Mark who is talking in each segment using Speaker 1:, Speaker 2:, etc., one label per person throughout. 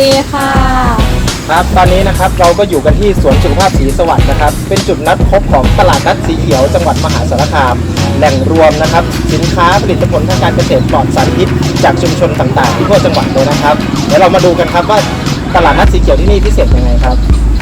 Speaker 1: ดีค่ะ
Speaker 2: ครับตอนนี้นะครับเราก็อยู่กันที่สวนสุขภาพศรีสวัสดิ์นะครับเป็นจุดนัดพบของตลาดนัดสีเขียวจังหวัดมหาสารคามแหล่งรวมนะครับสินค้าผลิตผลทางการเกษตรปลอดสารพิษจากชุมชนต่างๆที่ทั่วจังหวัดเลยนะครับเดี๋ยวเรามาดูกันครับว่าตลาดนัดสีเขียวที่นี่พิเศษยังไงครับ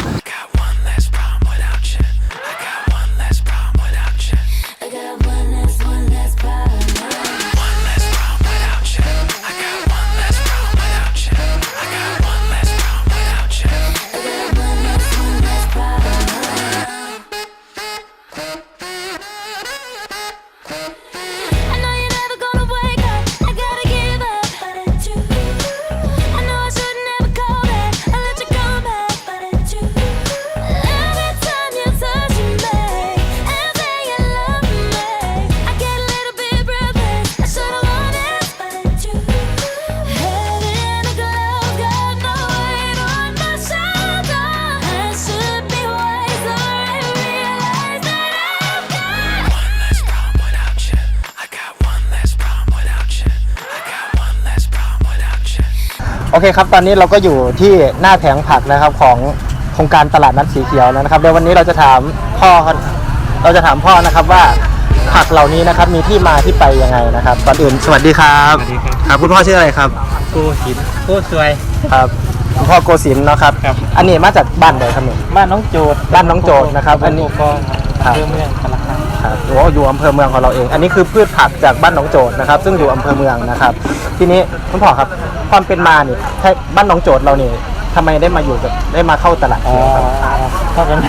Speaker 2: โอเคครับตอนนี้เราก็อยู่ที่หน้าแผงผักนะครับของโครงการตลาดนัดสีเขียวแล้วนะครับเดี๋ยววันนี้เราจะถามพ่อนะครับว่าผักเหล่านี้นะครับมีที่มาที่ไปยังไงนะครับก่อนอื่นสวัสดีครับ
Speaker 3: สวัสดีครับ
Speaker 2: ครับคุณพ่อชื่ออะไรครับ
Speaker 3: โกศินทร์โกสวย
Speaker 2: ครับคุณพ่อโกศินทร์เนาะครับอันนี้มาจากบ้านไหนครับเนี่ย
Speaker 3: บ้านน้องโจทย์
Speaker 2: นะครับอันนี้
Speaker 3: ก็เรื่องเมืองสารคาม
Speaker 2: ครับอยู่อำเภอเมืองของเราเองอันนี้คือพืชผักจากบ้านหนองโจทย์นะครับซึ่งอยู่อำเภอเมืองนะครับทีนี้คุณพ่อครับความเป็นมาเนี่ยบ้านหนองโจทย์เราเนี่ยทำไมได้มาเข้าตลาดเขียวครับ
Speaker 3: เข้ากัน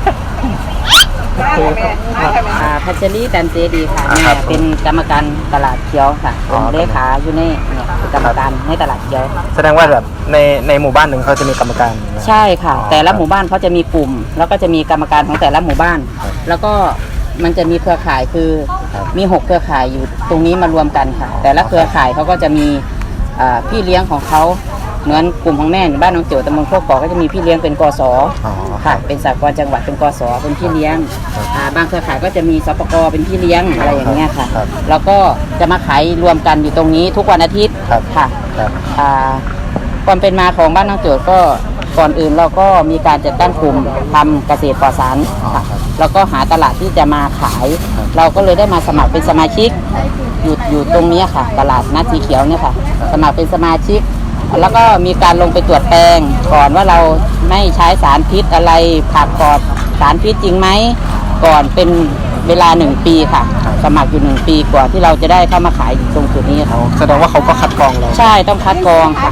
Speaker 1: พัชรีดันเจดีค่ะแม่เป็นกรรมการตลาดเขียวค่ะเป็นเลขาอยู่ในกรรมการในตลาดเขียว
Speaker 2: แสดงว่าแบบในหมู่บ้านหนึ่งเขาจะมีกรรมการ
Speaker 1: ใช่ค่ะแต่ละหมู่บ้านเขาจะมีกลุ่มแล้วก็จะมีกรรมการของแต่ละหมู่บ้านแล้วก็มันจะมีเครือข่ายคือมี6เครือข่ายอยู่ตรงนี้มารวมกันค่ะแต่ละเครือข่ายเขาก็จะมีพี่เลี้ยงของเขาเหมือนกลุ่มของแม่บ้านน้องเจียวตำบลโคกกอกก็จะมีพี่เลี้ยงเป็นกศค่ะเป็นสหกรณ์จังหวัดเป็นกศเป็นพี่เลี้ยงบางเครือข่ายก็จะมีสปกเป็นพี่เลี้ยงอะไรอย่างเงี้ยค่ะแล้วก็จะมาขายรวมกันอยู่ตรงนี้ทุกวันอาทิตย์ค่ะความเป็นมาของบ้านน้องเจียวก็ก่อนอื่นเราก็มีการจัดตั้งกลุ่มทำเกษตรปลอดสารค่ะแล้วก็หาตลาดที่จะมาขายเราก็เลยได้มาสมัครเป็นสมาชิกอยู่ตรงนี้ค่ะตลาดนัดสีเขียวเนี่ยค่ะสมัครเป็นสมาชิกแล้วก็มีการลงไปตรวจแปลงก่อนว่าเราไม่ใช้สารพิษอะไรผักปลอดสารพิษจริงไหมก่อนเป็นเวลา1 ปีค่ะสมัครอยู่1 ปีกว่าที่เราจะได้เข้ามาขายตรงจุดนี้ค่ะ
Speaker 2: แสดงว่าเขาก็คัดกรองเรา
Speaker 1: ใช่ต้องคัดกรองค่ะ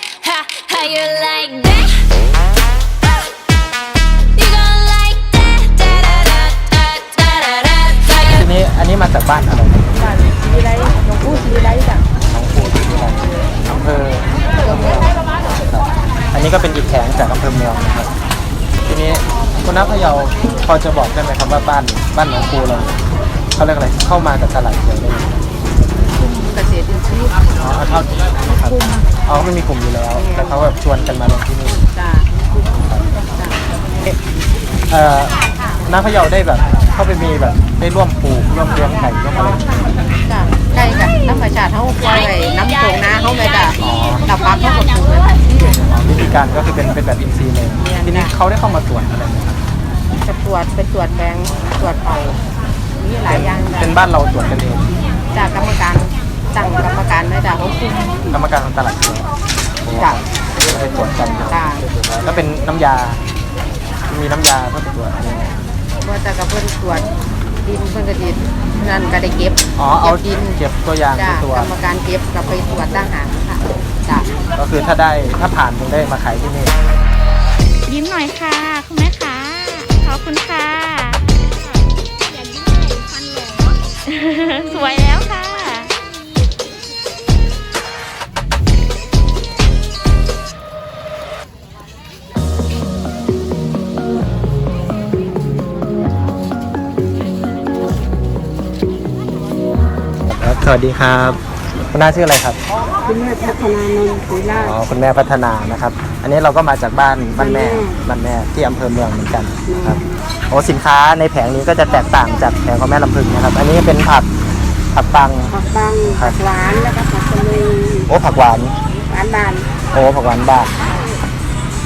Speaker 2: ทีนี้อันนี้มาจากบ้านอะไร
Speaker 1: บ้านสีไรหลวงปู่สีไรจ้ะ
Speaker 2: หลวงปู่สีไรอำเภออันนี้ก็เป็นอีกแผงจากอำเภอเมืองนะครับทีนี้คุณน้าพะเยาพอจะบอกได้ไหมครับว่าบ้านหลวงปู่เราเขาเรียกอะไรเข้ามาจากตลาดเขียวได้
Speaker 1: เกษตรอินทรีย์
Speaker 2: เท่าที่ครับไม่มีกลุ่มอยู่แล้วแต่เขาแบบชวนกันมาลงที่นี่
Speaker 1: จ้า
Speaker 2: น้าพะเยาได้แบบเข้าไปมีแบบได้ร่วมปลูกร่วมเลี้ยงไก่ร่วมอะไร
Speaker 1: จ้าไก่กับน้ำประชาเขาปล่อยน้ำโขงนาเขาเลยจ้ะดับฟักเขาหมดเลย
Speaker 2: วิธีการก็คือเป็นแบบอินทรีย์เลยทีนี้เขาได้เข้ามาตรวจอะไรไหมครับ
Speaker 1: จะตรวจเป็นตรวจแบงตรวจเป่ามีหลายอย่าง
Speaker 2: เป็นบ้านเราตรวจกันเอง
Speaker 1: จากกรรมการตั้งกรรมการได้จ้ะเขาคุม
Speaker 2: กรรมการของตลาด
Speaker 1: จ้ะ
Speaker 2: ไปตรวจกัน
Speaker 1: จ้ะ
Speaker 2: แล้วเป็นน้ำยามีน้ำยาเพื่อตรวจ
Speaker 1: ว่าจะกับเพื่อนตรวจดินเพื่อนกระดินนั่นก็ได้เก็บ
Speaker 2: เอาดินเก็บตัวอย่าง
Speaker 1: ตัวกรรมการเก็บกับไปตรวจทหารค่ะจ้ะ
Speaker 2: ก็คือถ้าผ่านถึงได้มาขายที่นี่
Speaker 4: ยิ้มหน่อยค่ะคุณแม่ค่ะขอบคุณค่ะอย่ายิ้มเลยฟันหลงสวยแล้วค่ะ
Speaker 2: สวัสดีครับคุณน้าชื่ออะไรครับ
Speaker 1: คุณแม่พัฒนานนท์ศรีราช
Speaker 2: คุณแม่พัฒนานะครับอันนี้เราก็มาจากบ้านแม่ที่อำเภอเมืองเหมือนกันครับสินค้าในแผงนี้ก็จะแตกต่างจากแผงของแม่ลำพึงนะครับอันนี้เป็นผักปัง
Speaker 1: ผักหวานแล้วก็ผักกะหรี่
Speaker 2: ผักหวาน
Speaker 1: บาน
Speaker 2: ผักหวานบ้าน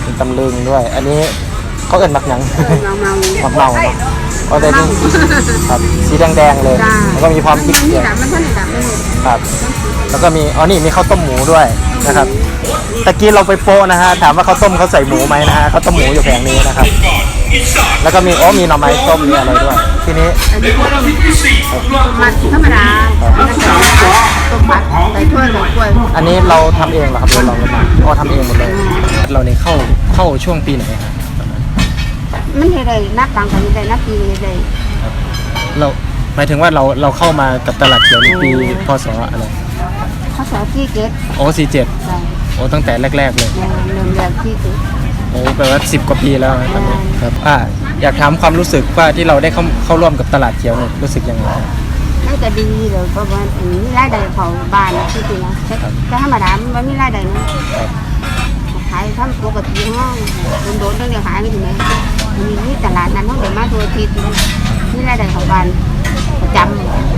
Speaker 2: มีตำลึงด้วย อันนี้เขาเอิ้นมักหยัง
Speaker 5: เมา
Speaker 2: มักเมาเนาะก็แต่นี่ครับสีแดงๆเลย
Speaker 5: จ้า
Speaker 2: แล้วก็มีความพริก
Speaker 5: มัน
Speaker 2: เกลือ
Speaker 5: ดับมันท่านดับไม่หมด
Speaker 2: ครับ แล้วก็มีอ๋อนี่มีข้าวต้มหมูด้วยนะครับตะกี้เราไปโปะนะฮะถามว่าข้าวต้มเขาใส่หมูไหมนะฮะข้าวต้มหมูอยู่แผงนี้นะครับ แล้วก็มีมีหน่อไม้ต้มมีอะไรด้วย ทีนี้
Speaker 5: อันนี้ก็ต้องมัดธรรมดาแล้วก็ต้มมัดใส่ถ้วยกับกล้วย
Speaker 2: อันนี้เราทำเองเหรอครับหรือเรามาอ๋อทำเองหมดเลย เราเนี่ยเข้าช่วงปีไหนครับ
Speaker 5: มันเฮ็ดได้นับตังค์กันได้นับปีได้
Speaker 2: เราหมายถึงว่าเราเข้ามากับตลาดเขียวในปีพศอะไร
Speaker 5: เขาสอนที่เก็ต
Speaker 2: โอ้47
Speaker 5: ใช่
Speaker 2: โอ้ตั้งแต่แรกๆเลย
Speaker 5: เริ่มแรกที่เก็ต
Speaker 2: โอ้แปลว่า10 กว่าปีแล้วนะครับครับอยากถามความรู้สึกว่าที่เราได้เข้าร่วมกับตลาดเขียวเนี่ยรู้สึกยังไง
Speaker 5: มันก็ดีเลยเพราะว่ามีรายได้เขาบ้านที่จริงนะแต่ธรรมดามันมีรายได้นะขายทำปกติห้องโดนๆเรื่องขายไม่ถึงไหนมีตลาดนั้นเขาเดินมาตัวทีนี่รายได้เขาบ้านประจำ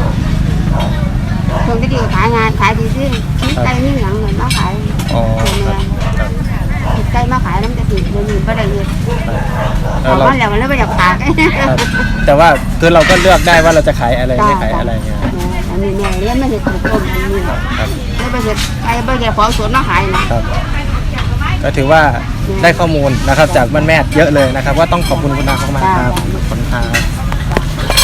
Speaker 5: คนที่ดีขายงานขายดีที่ชิ้นไก่นี่หลังเหมือนมาขาย
Speaker 2: อ๋อ
Speaker 5: เมืองชิ้นไก่มาขายน้ำจะติดเดี๋ยวนี้ไม่ได้เงินพอ
Speaker 2: เรา
Speaker 5: วันแล้วมันเลยไม่อยากขาย
Speaker 2: ครับแต่ว่าคือเราก็เลือกได้ว่าเราจะขายอะไรไม่ขายอะไรเงี้ย
Speaker 5: อันนี้เนี่ยเลี้ยงไม่เห็นถูกต้มอันนี้
Speaker 2: ครับ
Speaker 5: ไม่ไปเห็นไอ้ไม่เห็นของสวนมาขายนะครับ
Speaker 2: ก็ถือว่าได้ข้อมูลนะครับจากบ้านแม่เยอะเลยนะครับว่าต้องขอบคุณคุณนามากๆครับขอบคุณครับ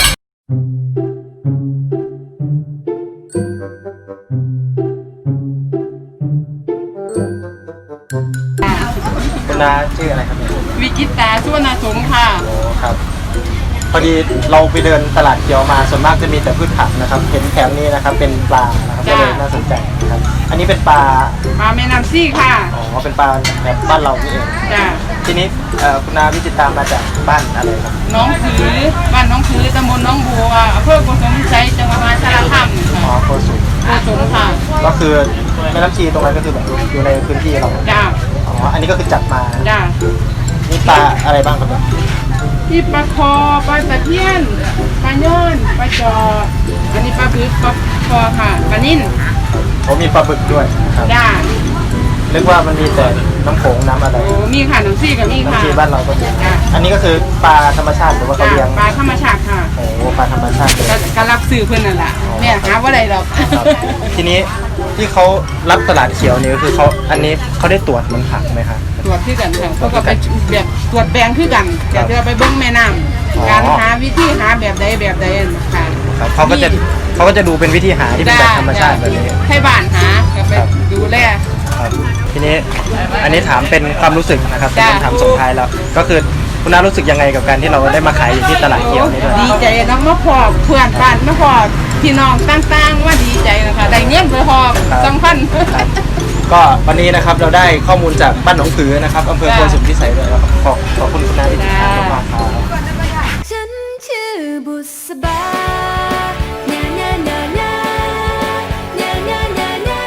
Speaker 2: คุณนาชื่ออะไรครับเนี่ย
Speaker 1: วิจิตาสุวรรณสมค่ะ
Speaker 2: โอ้ครับพอดีเราไปเดินตลาดเขียวมาส่วนมากจะมีแต่พืชผักนะครับเห็นแถมนี้นะครับเป็นปลานะครับก็เลยน่าสนใจนะครับอันนี้เป็นปลา
Speaker 1: มาแม่น้ำซี่ค่ะ
Speaker 2: อ๋อเป็นปลาแบบบ้านเรานี่เอง
Speaker 1: จ้า
Speaker 2: ทีนี้คุณนาวิจิตรมาจากบ้านอะไรครับ
Speaker 1: น้องผือบ้านน้องผือตำบลน้องบัวอำเภอโกสมชัยจังหวัดมหาสารคาม
Speaker 2: อ๋อโคสุ
Speaker 1: โกสมค่ะ
Speaker 2: ก็คือแม่น้ำชีตรงนั้นก็คือแบบอยู่ในพื้นที่เรา
Speaker 1: จ้า
Speaker 2: อ๋ออันนี้ก็คือจัดมา
Speaker 1: จ้า
Speaker 2: นี่ปลาอะไรบ้างครับเนี่ย
Speaker 1: ที่ปลาคอปลาตะเพียนปลาย่อนปลาจออันนี้ปลาบึกปลาคอค่ะปลานิ่น
Speaker 2: ผมมีปลาบึกด้วยครับ
Speaker 1: จ้า
Speaker 2: นึกว่ามันมีแต่น้ำโขงน้ำอะไร
Speaker 1: โอ้มีค่ะน้ำซี่กับมีค่ะ
Speaker 2: น้ำชีบ้านเราก็มี
Speaker 1: จ้า
Speaker 2: อันนี้ก็คือปลาธรรมชาติหรือว่าเขา
Speaker 1: จ้า
Speaker 2: เลี้ยง
Speaker 1: ปลาธรรมชาติค่ะ
Speaker 2: โอ้ปลาธรรมชาติเลย
Speaker 1: ก็รับซื้อเพื่อนนั่นแหละแม่หาว่าไรหรอก
Speaker 2: ครับทีนี้ที่เขารับตลาดเขียวนี่ก็คือเขาอันนี้เขาได้ตรวจมันผักไหมครับ
Speaker 1: ตรวจคือกันค่ะเขาก็ไปแบบตรวจแปลงคือกันแต่เดี๋ยวไปเบิ้งแม่น้
Speaker 2: อ๋อ
Speaker 1: ำการหาวิธีหาแบบใดค่ะ
Speaker 2: ครับเขาก็จะดูเป็นวิธีหาที่เป็นแบบธรรมชาติแบบนี้
Speaker 1: ให้บ้านหาก็ไป
Speaker 2: ครับ
Speaker 1: ดูแล
Speaker 2: ครับทีนี้อันนี้ถามเป็นความรู้สึกนะครับเป็น
Speaker 1: จ้ะ
Speaker 2: คำถามส่งท้ายแล้ว ก็คือคุณน้ารู้สึกยังไงกับการที่เราได้มาขายอยู่ที่ตลาดเขียวนี่ด้วย
Speaker 1: ดีใจเนาะมาพอเพื่อนบ้านมาพอพี่น้องต่างๆว่าดีใจนะคะได้เงินไปพอ2,000
Speaker 2: ครับก็วันนี้นะครับเราได้ข้อมูลจากบ้านหนองผือนะครับอำเภอโพนสุนพิสัยด้วยนะครับขอบคุณคุณน้าที่ติดตามมากๆครับ
Speaker 6: ฉันชื่อบุษบาเนาเนาเนาเนาเนาเนาเนาเนา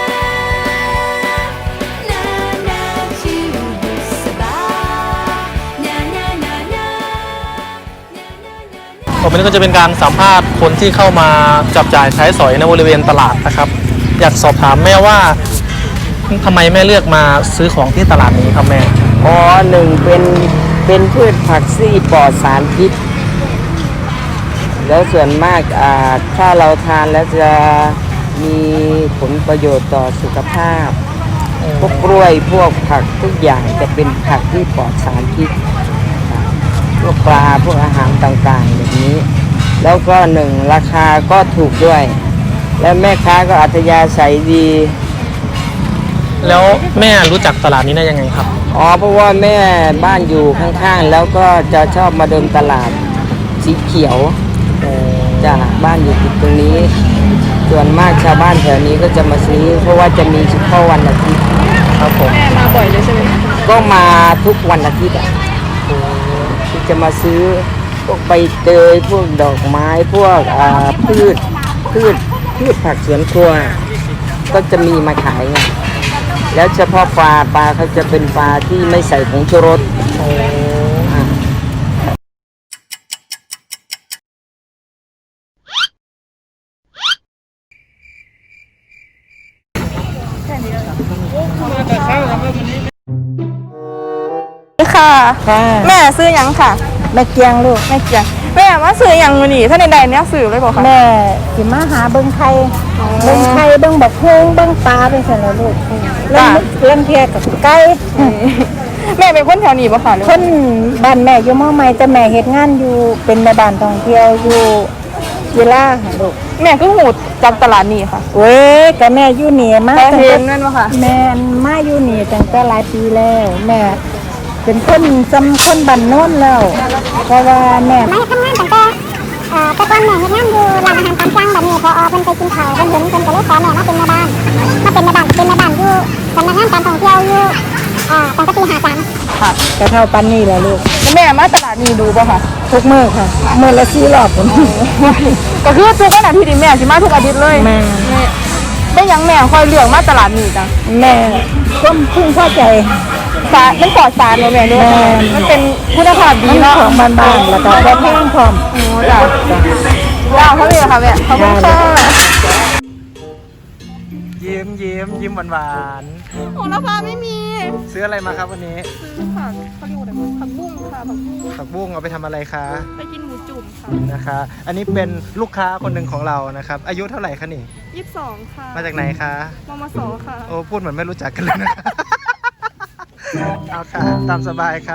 Speaker 6: เนาเนาชื่อบุษบาเนาเนาเนาเนา
Speaker 3: ต่อไปนี้ก็จะเป็นการสัมภาษณ์คนที่เข้ามาจับจ่ายใช้สอยในบริเวณตลาดนะครับ อยากสอบถามแม่ว่าทำไมแม่เลือกมาซื้อของที่ตลาดนี้ครับแม่
Speaker 7: อ๋อหนึ่งเป็นพืชผักซี่ปลอดสารพิษ แล้วส่วนมากถ้าเราทานแล้วจะมีผลประโยชน์ต่อสุขภาพ พวกกล้วยพวกผักทุกอย่างจะเป็นผักที่ปลอดสารพิษค่ะพวกปลาพวกอาหารต่างๆแบบนี้ แล้วก็หนึ่งราคาก็ถูกด้วย และแม่ค้าก็อัธยาศัยดี
Speaker 3: แล้วแม่รู้จักตลาดนี้ได้ยังไงครับ
Speaker 7: อ๋อเพราะว่าแม่บ้านอยู่ข้างๆ แล้วก็จะชอบมาเดินตลาดสีเขียวจ้ะบ้านอยู่ติดตรงนี้ ส่วนมากชาวบ้านแถวนี้ก็จะมาซื้อ เพราะว่าจะมีเฉพาะวันอาทิตย์
Speaker 3: ครับผม
Speaker 7: ก็มาทุกวันอาทิตย์อ่ะที่จะมาซื้อพวกใบเตยพวกดอกไม้พวกพืชผักสวนครัว ก็จะมีมาขายไงแล้วเฉพาะปลาเขาจะเป็นปลาที่ไม่ใส่ผงชูรสอ่า
Speaker 1: ต
Speaker 4: ค่ะ
Speaker 7: ค่ะ
Speaker 4: แม่ซื้อหยังค่ะ
Speaker 7: แม่เกียงลูก
Speaker 4: แม่เกียงแม่มาซื้อหยังมื้อนี้ถ้าในใดเนี่ยซื้อเลยบ่คะ
Speaker 7: แม่สิมาหาเบิ่งไข่เบิ่งไข่เบิ่งบักฮุ้งเบิ่งปลาเป็นซั่นล่ะลูกเรื่องเทียกับไก่
Speaker 4: แม่เป็นคนแถวนี้บ่คะหรือ
Speaker 7: คนบ้านแม่อยู่มอใหม่แต่แม่เฮ็ดงานอยู่เป็นแม่บ้านท่องเที่ยวอยู่กีฬาค่ะลูก
Speaker 4: แม่ก็หูจากตลาดนี้ค่ะ
Speaker 7: เว้ยก็แม่อยู่นี่มา
Speaker 4: แม่
Speaker 7: ตั้ง
Speaker 4: เห็
Speaker 7: แต่
Speaker 4: นนั่นบ่ค่ะ
Speaker 7: แม่มาอยู่นี่ตั้งแต่หลายปีแล้ว แม่เป็นคนจำคนบ้านโน้นแล้ว เพราะว่าแม่
Speaker 8: มาทำงานตั้งแต่แต่ก่อนแม่เฮ็ดงานอยู่ร้านอาหารตามสั่งแบบนี้พอเพิ่นไปกินข้าวเพิ่นเห็นเพิ่นก็เลยขอแม่มาเป็นแม่บ้านเป็นแม่บ้านอยู่สำนักงานการท่องเที่ยวอยู่ตั้งแต่ปี53
Speaker 7: ค่ะกระเท่าปันนี่แหละลูก
Speaker 4: แม่มาตลาดนี้ดูบ่ค่ะ
Speaker 7: ทุกมื้อค่ะมื้อละ4 รอบผม
Speaker 4: ก็คือทุกวันอาทิตย์นี่แม่สิมาทุกอาทิตย์เลย
Speaker 7: แม่
Speaker 4: ได้หยังแม่คอยเลือกมาตลาดนี้จัง
Speaker 7: แม่ก็พึงพอใจ
Speaker 4: สารมันปลอดสารบ่แม่ด้วย
Speaker 7: แม่
Speaker 4: มันเป็นคุณภาพดี
Speaker 7: มัน
Speaker 4: เนาะ
Speaker 7: ของบ้านๆแล้วก็บ่แพงพร้อม
Speaker 4: โอ้จ้ะจ้าเขาเลยค่ะแม่ขอบคุณค่ะ
Speaker 2: ยิ้มหวาน
Speaker 4: โอ้ราคาไม่มี
Speaker 2: ๆซื้ออะไรมาครับวันนี้
Speaker 4: ซื้อผักเขาเรียกว่าอะไรผักบุ้งค่ะผักบุ้ง
Speaker 2: ผักบุ้งเอาไปทำอะไรคะ
Speaker 4: ไปกินหมูจุ่มค่ะ
Speaker 2: นะคะ อันนี้เป็นลูกค้าคนหนึ่งของเรานะครับ อายุเท่าไหร่คะนี่
Speaker 4: 22ค่ะ
Speaker 2: มาจากไหนคะ
Speaker 4: มมสค่ะ
Speaker 2: โอ้พูดเหมือนไม่รู้จักกันเลยนะ เอาค่ะ ตามสบายค่ะ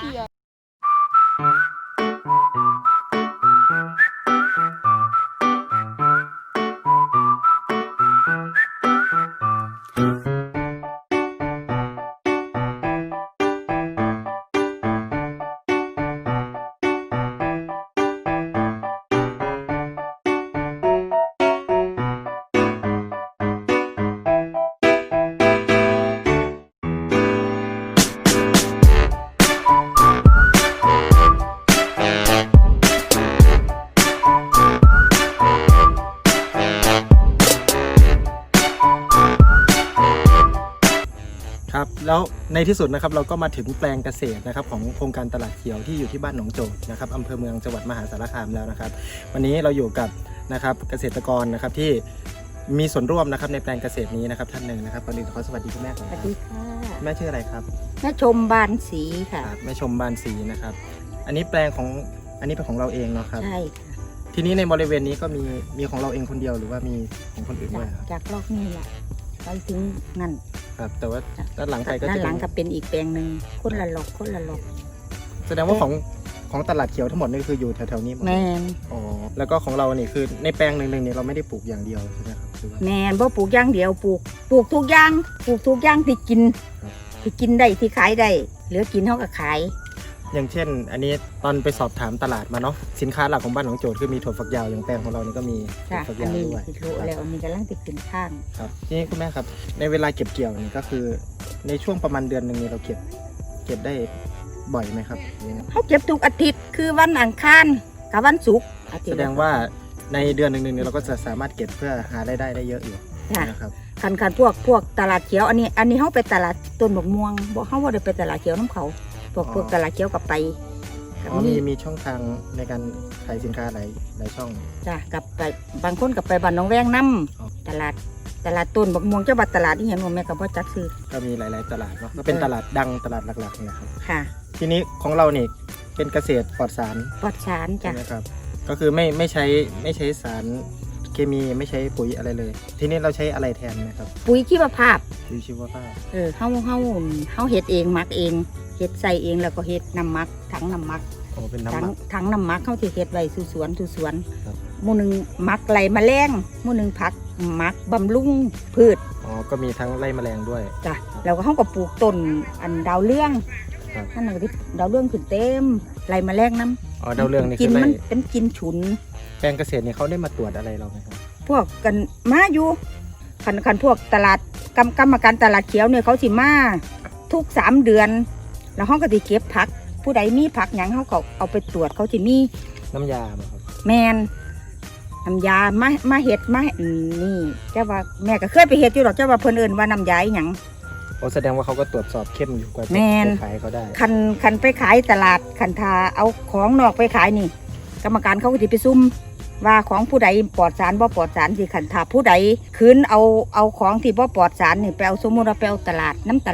Speaker 2: ครับแล้วในที่สุดนะครับเราก็มาถึงแปลงเกษตรนะครับของโครงการตลาดเขียวที่อยู่ที่บ้านหนองโจดนะครับอำเภอเมืองจังหวัดมหาสารคามแล้วนะครับ วันนี้เราอยู่กับนะครับเกษตรกรนะครับที่มีส่วนร่วมนะครับในแปลงเกษตรนี้นะครับท่านหนึ่งนะครับก่อนอื่นขอสวัสดีคุณแม่ก่อน
Speaker 7: ส
Speaker 2: ค
Speaker 7: วั
Speaker 2: รับ
Speaker 7: สดีค่ะ
Speaker 2: แม่ชื่ออะไรครับ
Speaker 7: แม่ชมบานสีค่ะ
Speaker 2: ครับแม่ชมบานศรีนะครับ อันนี้แปลงของอันนี้เป็นของเราเองเนาะครับ
Speaker 7: ใช่ค่ะ
Speaker 2: ทีนี้ในบริเวณนี้ก็มีของเราเองคนเดียวหรือว่ามีของคนอื่นด้วยครับ
Speaker 7: จากรอบนี้แหละไปถึงนั่น
Speaker 2: ครับแต่ว่าด้านหลังไปก็
Speaker 7: ด้าน
Speaker 2: จะ
Speaker 7: หลัง
Speaker 2: เป็น
Speaker 7: ก็เป็นอีกแปลงหนึ่งคนละหลอกคนละหลอก
Speaker 2: แสดงว่าของตลาดเขียวทั้งหมดนี่คืออยู่แถวๆนี้หมด
Speaker 7: แมน
Speaker 2: อ๋อแล้วก็ของเราเนี่ยคือในแปลงหนึ่งๆเนี่ยเราไม่ได้ปลูกอย่างเดียวใช่ไหมครับหรือว่า
Speaker 7: แมนบ่ปลูกอย่างเดียวปลูกทุกอย่างปลูกทุกอย่างที่กิน
Speaker 2: ครับ
Speaker 7: ที่กินได้ที่ขายได้เหลือกินเท่ากับขาย
Speaker 2: อย่างเช่น อันนี้ตอนไปสอบถามตลาดมาเนาะสินค้าหลักของบ้านหนองโจทย์คือมีถั่วฝักยาวอย่างแปลงของเรานี่ก็มีถั่ว
Speaker 7: ค่ะ
Speaker 2: ฝัก
Speaker 7: อัน
Speaker 2: ยาว
Speaker 7: นี้
Speaker 2: ด้วย
Speaker 7: ติดโลแล้วอันนี้กำลังติดขึ้นข้าง
Speaker 2: ครับทีนี้คุณแม่ครับในเวลาเก็บเกี่ยวนี่ก็คือในช่วงประมาณเดือนหนึ่งนี่เราเก็บได้บ่อยไหมครับหรือยังไง
Speaker 7: เขาเก็บทุกอาทิตย์คือวันอังคารกับวันศุกร์อทิต
Speaker 2: แส
Speaker 7: ย์
Speaker 2: ดงว่าในเดือนหนึ่งเนี่ยเราก็จะสามารถเก็บเพื่อหารายได้ได้เยอะอยู่
Speaker 7: ค่ะ
Speaker 2: นะครับ
Speaker 7: คันพวกตลาดเขียวอันนี้เขาไปตลาดต้นบกม่วงบอกเขาว่าได้ไปตลาดเขียวน้ำเขาพวกตลาดเขียวกับไปกับ
Speaker 2: อ๋อ
Speaker 7: มี
Speaker 2: มีช่องทางในการขายสินค้าหลายช่อง
Speaker 7: จ้ะกับไปบางคนกับไปบ้านหน้องแวงน้
Speaker 2: อ๋อ
Speaker 7: ำตลาดต้นบกม่วงเจ้าบัดตลาดที่เห็นว่าแม่กับพ่อจักซื้อ
Speaker 2: ก็มีหลายๆตลาดเนาะก็เป็นตลาดดังตลาดหลักๆนะครับ
Speaker 7: ค่ะ
Speaker 2: ทีนี้ของเราเนี่ยเป็นเกษตรปลอดสาร
Speaker 7: ปลอดสาร
Speaker 2: ใช่
Speaker 7: จ้ะ
Speaker 2: ไหมครับก็คือไม่ใช้สารเคมีไม่ใช้ปุ๋ยอะไรเลย ทีนี้เราใช้อะไรแทนนะครับ
Speaker 7: ปุ๋ยชีวภาพ
Speaker 2: ปุ๋ยชีวภาพ
Speaker 7: เขาเฮ็ดเองหมักเองเฮ็ดใส่เองแล้วก็เฮ็ดน้ำหมักถังน้ำหมัก
Speaker 2: โอ้เป็น
Speaker 7: ถั
Speaker 2: น้ำหมัก
Speaker 7: ถังน้ำหมักเขาที่เฮ็ดไว้สู่สวน
Speaker 2: ครับ
Speaker 7: หมู่หนึงหมักไหลแมลงหมู่หนึงผักหมักบำรุงพืช
Speaker 2: อ๋อก็มีทั้งไล่แมลงด้วย
Speaker 7: จ้ะแล้วก็เขาก็ปลูกต้นอันดาวเรื่อง
Speaker 2: ครับ
Speaker 7: นั่นน่ะที่ดาวเรื่องขึ้นเต็มไหลแมลงน้ำ
Speaker 2: อ๋อดาวเรืองนี่
Speaker 7: กิ
Speaker 2: คื
Speaker 7: น
Speaker 2: อไล่
Speaker 7: มันเป็นกินฉุน
Speaker 2: แปลงเกษตรเนี่ยเขาได้มาตรวจอะไรเราไหมครับ
Speaker 7: พวกกันมาอยู่คันพวกตลาดกรรมการตลาดเขียวเนี่ยเขาสิมาทุก3 เดือน แล้วเขาก็สิเก็บผัก ผู้ใดมีผักหยังเขาก็เอาไปตรวจเขาสิมี
Speaker 2: น้ำยาไหมครับ
Speaker 7: แมนน้ำยามาเห็ดนี่เจ้าว่าแม่ก็เคยไปเห็ดอยู่หรอกเจ้าว่าเพิ่นเอิ้นว่าน้ำยาอหยัง
Speaker 2: โอ้แสดงว่าเขาก็ตรวจสอบเข้มอยู่กว่าจะ
Speaker 7: แม่น
Speaker 2: ไปขายเขาได้
Speaker 7: คันไปขายตลาดคันทาเอาของนอกไปขายนี่ กรรมการเขาก็สิไปซุ่มว่าของผู้ใดปลอดสารบ่ปลอดสารสิคันทาผู้ใดคืนเอาของที่บ่ปลอดสารนี่ไปเอาสมมุติว่าไปเอาตลาดน้ำตลาด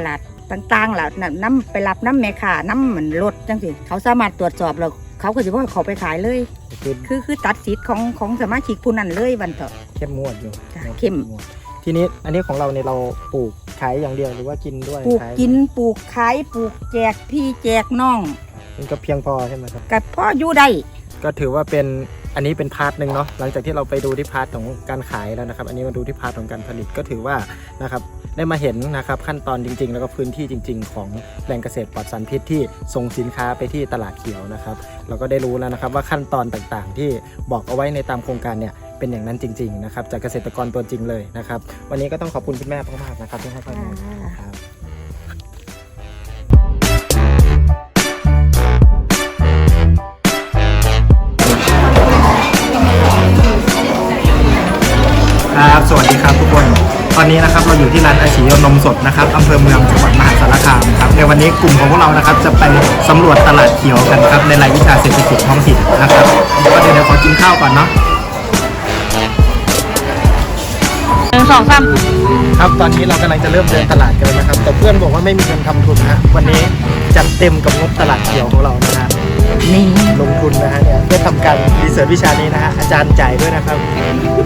Speaker 9: ต่างๆล่ะน้ำไปรับน้ำแม่ค้าน้ำเหมือนรถจังสิเขาสามารถตรวจสอบแล้วเขาก็จะว่าเขาไปขายเลยคือตัดสิทธิ์ของสมาชิกผู้นั้นเลยวันเถอะ
Speaker 2: เข้มงวดอยู่
Speaker 9: จ้ะเข้ม
Speaker 2: ทีนี้อันนี้ของเราเนี่ยเราปลูกขายอย่างเดียวหรือว่ากินด้วย
Speaker 9: ปลูก
Speaker 2: ขาย
Speaker 9: กินปลูกขายปลูกแจกพี่แจกน้อง
Speaker 2: มันก็เพียงพอใช่ไหมครับ
Speaker 9: กับพ่ออยู่ได้
Speaker 2: ก็ถือว่าเป็นอันนี้เป็นพาร์ทหนึ่งเนาะหลังจากที่เราไปดูที่พาร์ทของการขายแล้วนะครับ อันนี้มาดูที่พาร์ทของการผลิตก็ถือว่านะครับได้มาเห็นนะครับขั้นตอนจริงๆ แล้วก็พื้นที่จริง ๆ ของแปลงเกษตรปลอดสารพิษที่ส่งสินค้าไปที่ตลาดเขียวนะครับเราก็ได้รู้แล้วนะครับว่าขั้นตอนต่างๆ ที่บอกเอาไว้ในตามโครงการเนี่ยเป็นอย่างนั้นจริงๆนะครับจากเกษตรกรตัวจริงเลยนะครับวันนี้ก็ต้องขอบคุณคุณแม่มากๆนะครับที่ให้ข้อมูลครับ ครับสวัสดีครับทุกคนตอนนี้นะครับเราอยู่ที่ร้านอาชีนมสดนะครับอำเภอเมืองจังหวัดมหาสารคามครับในวันนี้กลุ่มของพวกเรานะครับจะไปสำรวจตลาดเขียวกันครับในรายวิชาเศรษฐกิจท้องถิ่นนะครับก็เดี๋ยวขอกินข้าวก่อนเนาะ
Speaker 9: 1 2 3
Speaker 2: ครับตอนนี้เรากำลังจะเริ่มเดินตลาดกันแล้วนะครับแต่เพื่อนบอกว่าไม่มีเงินทำทุนนะวันนี้จัดเต็มกับงบตลาดเขียวของเรานะฮะนี่ลงทุนนะฮะเนี่ยเพื่อทำการรีเสิร์ชวิชานี้นะฮะอาจารย์จ่ายด้วยนะครับ